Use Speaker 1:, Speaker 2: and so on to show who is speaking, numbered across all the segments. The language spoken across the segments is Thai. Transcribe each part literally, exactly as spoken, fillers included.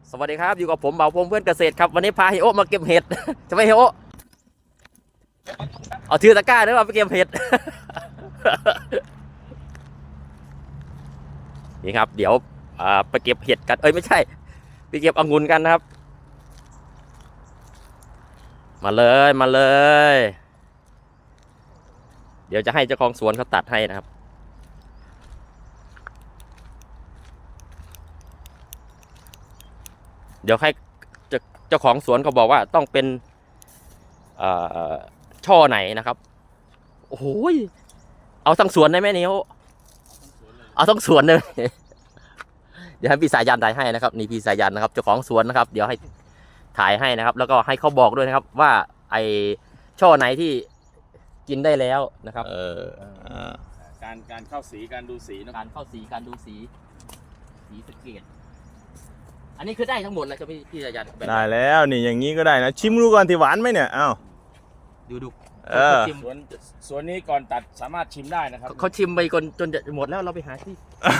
Speaker 1: สวัสดีครับอยู่กับผมเบาพงเพื่อนเกษตรครับวันนี้พาเฮโอมาเก็บเห็ด จะไปเฮโอเอาถือตะกร้าด้วยว่าไปเก็บเห็ด นี่ครับเดี๋ยวไปเก็บเห็ดกันเอ้ยไม่ใช่ไปเก็บองุ่นกันนะครับมาเลยมาเลยเดี๋ยวจะให้เจ้าของสวนเขาตัดให้นะครับเดี๋ยวให้เจ้าของสวนเขาบอกว่าต้องเป็นช่อไหนนะครับโอ้โหเอาทั้งสวนได้ไหมเนี่ยเอาทั้งสวนเลยเดี๋ยวให้พี่สายันถ่ายให้นะครับนี่พี่สายันนะครับเจ้าของสวนนะครับเดี๋ยวให้ถ่ายให้นะครับแล้วก็ให้เขาบอกด้วยนะครับว่าไอช่อไหนที่กินได้แล้วนะครับเออ
Speaker 2: การการเข้าสีการดูสีนะ
Speaker 1: การเข้าสีการดูสีสีสเกตอันนี้คือได้ทั้งหมดเลยใช่ไหมพี่สายัน
Speaker 3: ได้แล้วนี่อย่างนี้ก็ได้นะชิมดูก่อนที่หวานไหมเนี่ยอ้าว
Speaker 1: ดูดู
Speaker 3: เออ
Speaker 2: สวนสวนนี้ก่อนตัดสามารถชิมได้นะครับ
Speaker 1: เขาชิมไปจนจนจะหมดแล้วเราไปหาที่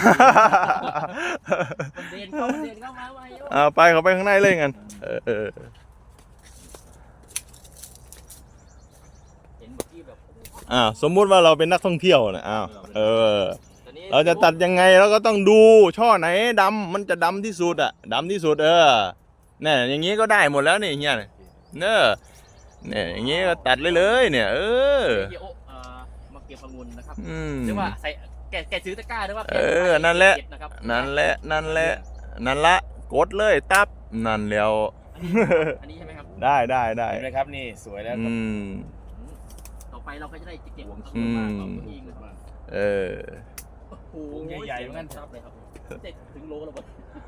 Speaker 1: เดินเข้าเดินเข้ามาไป
Speaker 3: เอาไปเขาไปข้างในเลยกันเออ
Speaker 1: เห็นเมื่อกี้แบบ
Speaker 3: อ้าวสมมุติว่าเราเป็นนักท่องเที่ยวนะอ้าวเออเราจะตัดยังไงเราก็ต้องดูช่อไหนดำมันจะดำที่สุดอะดำที่สุดเออเนี่ยอย่างนี้ก็ได้หมดแล้วนี่เฮียเนอะเนี่ยอย่างนี้ก็ตัดเลยเลยเนี่ยเออ
Speaker 1: มาเก็บองุ่นนะครับหรือว่าใส่แกแกซื้อตะกร้าหรือว่า
Speaker 3: เออนั่นแหละนั่นแหละนั่นแหละนั่นละกดเลยตับนั่นแล้ว
Speaker 1: อันนี้ใช่ไหมครับ
Speaker 3: ได้ได้ได้
Speaker 2: เห็นไหมครับนี่สวยแล้ว
Speaker 3: อืม
Speaker 1: ต่อไปเราก็จะได้เก็บองุ่นมาเอง
Speaker 3: เออ
Speaker 1: โอ้โหใหญ่ๆเหมือนกันครับเลยครับเจ็ดถึงโลแล้วหมด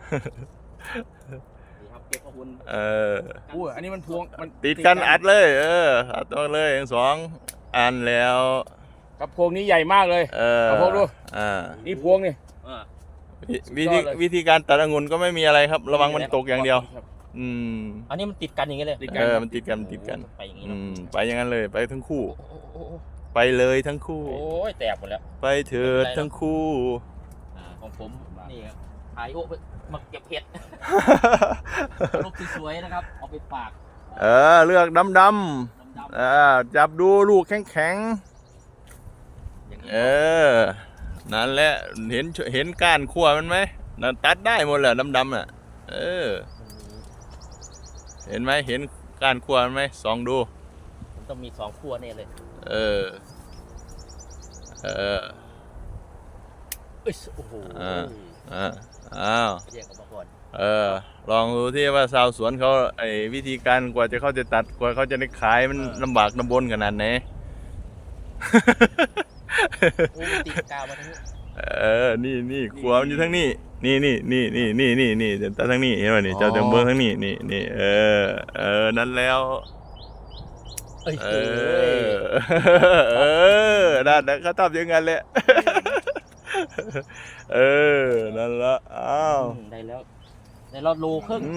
Speaker 1: นี่ครับเก็บองุ่น
Speaker 3: เออ
Speaker 2: อู้อันนี้มันพวงมัน
Speaker 3: ติดกันอัดเลยเอออัดตัวเลยทั้งสองอันแล้ว
Speaker 2: กับพวงนี้ใหญ่มากเลย
Speaker 3: เออ
Speaker 2: พวงดู
Speaker 3: อ่า
Speaker 2: นี่พวงนี่
Speaker 3: วิธีวิธีการตัดองุ่นก็ไม่มีอะไรครับระวังมันตกอย่างเดียวอืม
Speaker 1: อันนี้มันติดกันอย่างนี้เลย
Speaker 3: เออมันติดกันติดกัน
Speaker 1: ไปอย่างนี้
Speaker 3: อืมไปอย่างนั้นเลยไปทั้งคู่ไปเลยทั้งคู่
Speaker 1: โอ้ยแตกหมดแล้ว
Speaker 3: ไปเถิดทั้งคู่
Speaker 1: ของผมนี่ครับขายโอ้มาเก็บเห็ดลูกสวยๆนะครับเอาไปฝาก
Speaker 3: เออเลือกดำดำเออจับดูลูกแข็งแข็งเออนั่นแหละเห็นเห็นก้านขั้วมันไหมนั่นตัดได้หมดแหละดำดำอ่ะเออเห็นไหมเห็นก้านขั้วมันไหมส่องดู
Speaker 1: มันต้องมีสองขั้วเนี่ยเลย
Speaker 3: เออเออ
Speaker 1: โอ้โห
Speaker 3: อ่าอ่าอ้าว
Speaker 1: แยกออกมาก่อน
Speaker 3: เออลองดูที่ว่าชาวสวนเขาไอ้วิธีการกว่าจะเขาจะตัดกว่าเขาจะได้ขายมันลำบากลำบนขนาดไหน
Speaker 1: โอ้ติดกาวมาทั้งนี้
Speaker 3: เออนี่นี่ขวามันอยู่ทั้งนี้นี่นี่นี่นี่นี่นี่นี่เดี๋ยวทั้งนี้เห็นไหมนี่เจ้าเดิมเบิ้งทั้งนี้นี่นี่เออเออนั่นแล้วเออเออนั่นเขาทำอย่างนั้นแหละเออนั่นละอ้าว
Speaker 1: ได้แล้วได้แล้วโลครึ่ง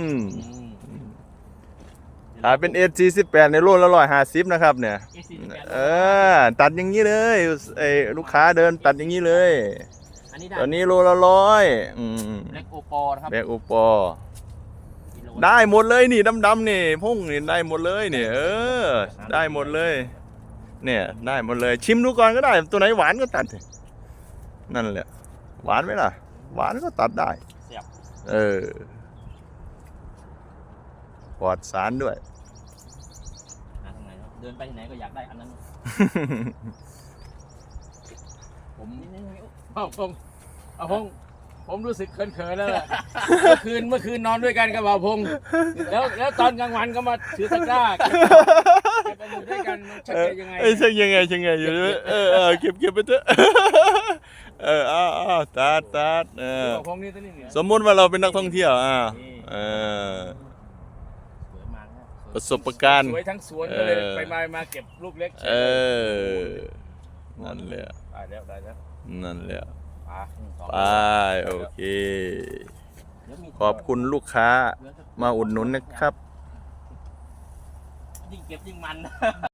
Speaker 3: ถ้าเป็นเอสสี่สิบแปดในโลละร้อยห้าสิบนะครับเนี่ยเออตัดอย่างนี้เลยไอ้ลูกค้าเดินตัดอย่างนี้เลยตอนนี้โลละร้อย
Speaker 1: แบล็กโอปอครับ
Speaker 3: แบล็กโอปอได้หมดเลยนี่ดำๆนี่พุ่งนี่ได้หมดเลยนี่เออได้หมดเลยเนี่ยได้หมดเลยชิมดูก่อนก็ได้ตัวไหนหวานก็ตัดนั่นแหละหวานไหมล่ะหวานก็ตัดได้เออปลอดสารด้วย
Speaker 1: เดินไปที่ไหนก็อยากได้อันนั้น
Speaker 2: ผมเอาพงเอาพงผมรู้สึกเขินๆแล้วแหละเมื่อคืนเมื่อคืนนอนด้วยกันกับบ่าวพงแล้วแล้วตอนกลางวันก็มาถือตะกร้าเก็บองุ่นด้วยกันชักยังไง
Speaker 3: เอ้ยชักยังไงชักยังไงอยู่ด้วยเออเออเก็บเก็บไปเถอะเอออ้าวตัดตัดเออสมมุติว่าเราเป็นนักท่องเที่ยวอ่าเออประสบการณ์
Speaker 2: สวยทั้งสวนเลยไปมามาเก็บลูกเล็ก
Speaker 3: เออนั่นแหละ
Speaker 2: ได้แล้วได้แล้ว
Speaker 3: นั่นแหละไปโอเคขอบคุณลูกค้ามาอุดหนุนนะครับ
Speaker 1: ยิ่งเก็บยิ่งมัน